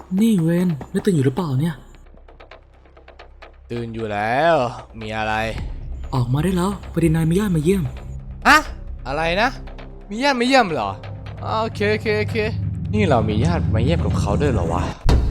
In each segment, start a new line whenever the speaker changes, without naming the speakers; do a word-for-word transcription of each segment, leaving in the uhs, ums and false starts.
นี่เวนไม่ตื่นอยู่หรือเปล่าเนี่ย
ตื่นอยู่แล้วมีอะไร
ออกมาได้แล้วพอดีนายมีญาติมาเยี่ยม
อะอะไรนะมีญาติมาเยี่ยมเหรอโอเคโอเคโอเคนี่เรามีญาติมาเยี่ยมกับเขาด้วยเหรอวะ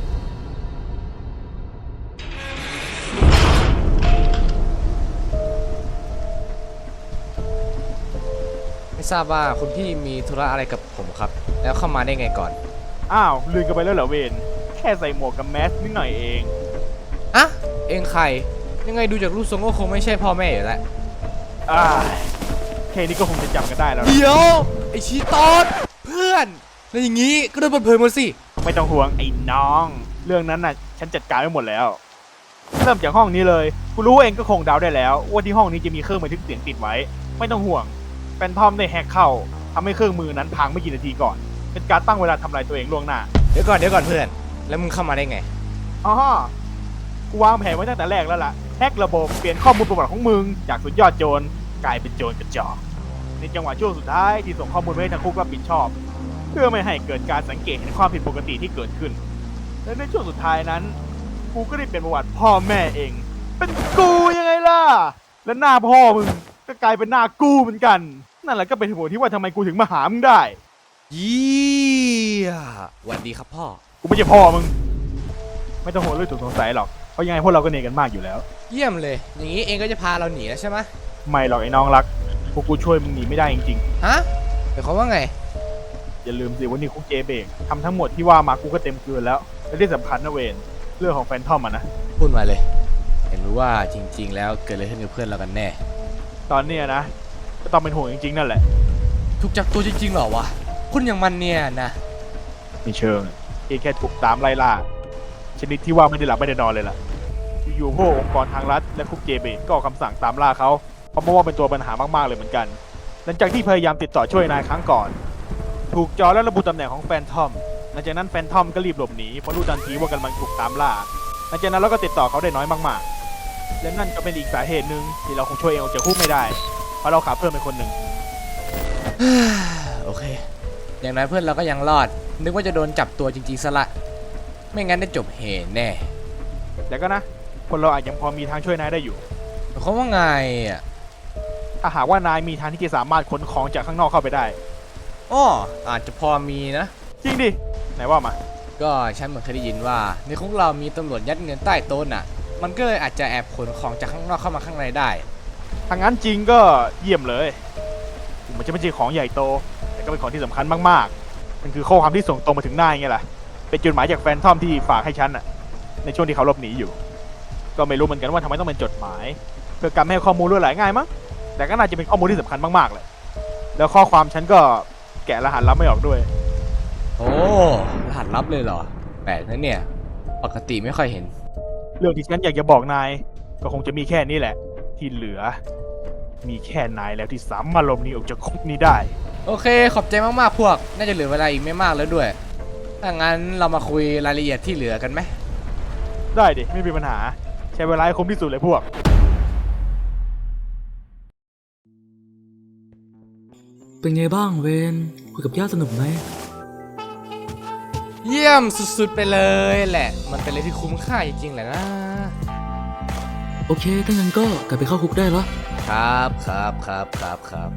ไม่ทราบว่าคุณพี่มีธุระอะไรกับผมครับแล้วเข้ามาได้ไงก่อน
อ้าวลืมกันไปแล้วเหรอเวนแค่ใส่หมวกกับแมสนิดหน่อยเอง
อะเองใครยังไงดูจากรูปทรงก็คงไม่ใช่พ่อแม่อยู่แล้ว
อ่าแค่นี้ก็คงจะจำกันได้แล้ว
เดี๋ยวไอชีตอดเพื่อนแล้วอย่างงี้ก็โดนเปิดเผยหมดสิ
ไม่ต้องห่วงไอ้น้องเรื่องนั้นน่ะฉันจัดการไว้หมดแล้วเริ่มจากห้องนี้เลยกูรู้เองก็คงเดาได้แล้วว่าที่ห้องนี้จะมีเครื่องบันทึกเสียงติดไว้ไม่ต้องห่วงแฟนทอมได้แฮกเข้าทำให้เครื่องมือนั้นพังไม่กี่นาทีก่อนเป็นการตั้งเวลาทำลายตัวเองล่วงหน้า
เดี๋ยวก่อนเดี๋ยวก่อนเพื่อนแล้วมึงเข้ามาได้ไง
อ๋อกูวางแผนไว้ตั้งแต่แรกแล้วล่ะแฮกระบบเปลี่ยนข้อมูลประวัติของมึงจากสุดยอดโจรกลายเป็นโจรกระจอกในจังหวะช่วงสุดท้ายที่ส่งข้อมูลไปให้ทางคุกรับผิดชอบเพื่อไม่ให้เกิดการสังเกตเห็นความผิดปกติที่เกิดขึ้นและในช่วงสุดท้ายนั้นกูก็ได้เปลี่ยนประวัติพ่อแม่เองเป็นกูยังไงล่ะและหน้าพ่อมึงก็กลายเป็นหน้ากูเหมือนกันนั่นแหละก็เป็นเหตุผลที่ว่าทำไมกูถึงมาหามึงได้
ยี่สวัสดีครับพ่อ
กูไม่ใช่พ่อมึงไม่ต้องห่วงเรื่องถูกสงสัยหรอกเพราะยังไงพวกเราก็เนกันมากอยู่แล้ว
เยี่ยมเลยอย่างนี้เองก็จะพาเราหนีแล้วใช่ไหม
ไม่หรอกไอ้น้องรักพวกกูช่วยมึงหนีไม่ได้จริง
ๆฮะหมายความว่าไง
อย่าลืมสิวันนี้คุกเจเบกทำทั้งหมดที่ว่ามากูก็เต็มเกลือแล้วและที่สำคัญนะเวนเรื่องของแฟนทอมอ่ะนะ
พูดมาเลยเห็นรู้ว่าจริงๆแล้วเกิดอะไรขึ้นกับเพื่อนเรากันแน่
ตอนนี้นะก็ต้องเป็นห่วงจริงๆนั่นแหละ
ถูกจับตัวจริงๆหรอวะคุณอย่างมันเนี่ยนะ
ไม่เชิงเพียงแค่ถูกตามไล่ล่าชนิดที่ว่าไม่ได้หลับไม่ได้นอนเลยล่ะอยู่พวกองค์กรทางรัฐและคุกเจเบกก็ออกคำสั่งตามล่าเขาเพราะว่าเป็นตัวปัญหามากๆเลยเหมือนกันหลังจากที่พยายามติดต่อช่วยนายครั้งก่อนถูกจอและระบุตำแหน่งของแฟนทอมหลังจากนั้นแฟนทอมก็รีบหลบหนีเพราะรู้ทันทีว่ากำลังถูกตามล่าหลังจากนั้นเราก็ติดต่อเขาได้น้อยมากๆและนั่นก็เป็นอีกสาเหตุหนึ่งที่เราคงช่วยเองออกจากคุกไม่ได้เพราะเราขาดเพื่อนเป็นคนหนึ่ง
โอเคอย่างนั้นเพื่อนเราก็ยังรอดนึกว่าจะโดนจับตัวจริงๆซะละไม่งั้นได้จบเหตุแน่
แต่ก็นะคนเราอาจยังพอมีทางช่วยนายได้อยู่
เขาว่าไงอ่ะ
ถ้าหากว่านายมีทางที่จะสามารถขนของจากข้างนอกเข้าไปได้
อ้ออาจจะพอมีนะ
จริงดิไหนว่ามา
ก็ฉันเหมือนเคยได้ยินว่าในคุกเรามีตำรวจยัดเงินใต้โต๊ะน่ะมันก็เลยอาจจะแอบขนของจากข้างนอกเข้ามาข้างในได้
ถ้างั้นจริงก็เยี่ยมเลยมันจะไม่ใช่ของใหญ่โตแต่ก็เป็นของที่สำคัญมากๆมันคือข้อความที่ส่งตรงมาถึงนายไงล่ะเป็นจดหมายจากแฟนทอมที่ฝากให้ฉันน่ะในช่วงที่เขาหลบหนีอยู่ก็ไม่รู้เหมือนกันว่าทำไมต้องเป็นจดหมายเพื่อการให้ข้อมูลรั่วไหลง่ายมั้งแต่ก็น่าจะเป็นข้อมูลที่สำคัญมากๆเลยแล้วข้อความฉันก็แกะรหัสลับไม่ออกด้วย
โอ้รหัสลับเลยเหรอแปลกนะเนี่ยปกติไม่ค่อยเห็น
เรื่องที่ฉันอยากจะบอกนายก็คงจะมีแค่นี้แหละที่เหลือมีแค่นายแล้วที่สามารถหลบหนีออกจากคุกนี้ได้
โอเคขอบใจมากๆพวกน่าจะเหลือเวลาอีกไม่มากแล้วด้วยถ้างั้นเรามาคุยรายละเอียดที่เหลือกันไหม
ได้ดิไม่มีปัญหาใช้เวลาให้คุ้มที่สุดเลยพวก
เป็นไงบ้างเวนคุยกับญาติสนุกไหม
เยี่ยมสุดๆไปเลยแหละมันเป็นอะไรที่คุ้มค่าจริงๆแหละนะ
โอเคถ้างั้นก็กลับไปเข้าคุกได้แล้ว
ครับครับครับครับครับ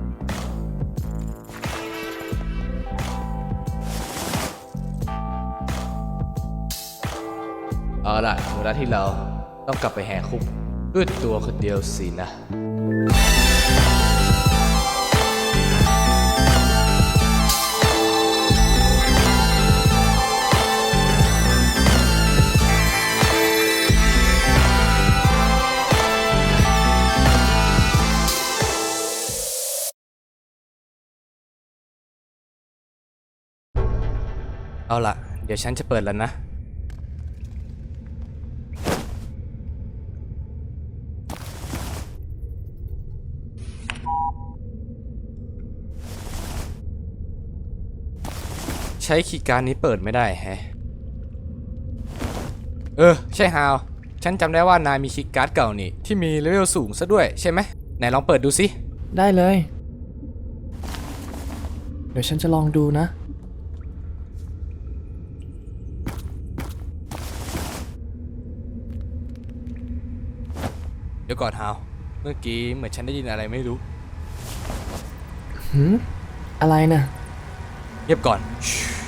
เอาล่ะเวลาที่เราต้องกลับไปแหกคุกด้วยตัวคนเดียวสินะเอาล่ะเดี๋ยวฉันจะเปิดแล้วนะใช้คีย์การ์ดนี้เปิดไม่ได้แฮะเออใช่ฮาวฉันจำได้ว่านายมีคีย์การ์ดเก่านี่ที่มีเลเวลสูงซะด้วยใช่ไหมไหนลองเปิดดูสิ
ได้เลยเดี๋ยวฉันจะลองดูนะ
ดี๋ยวก่อนฮาวเมื่อกี้เหมือนฉันได้ยินอะไรไม่รู้
หืมอะไรนะ
เงียบก่อนชิ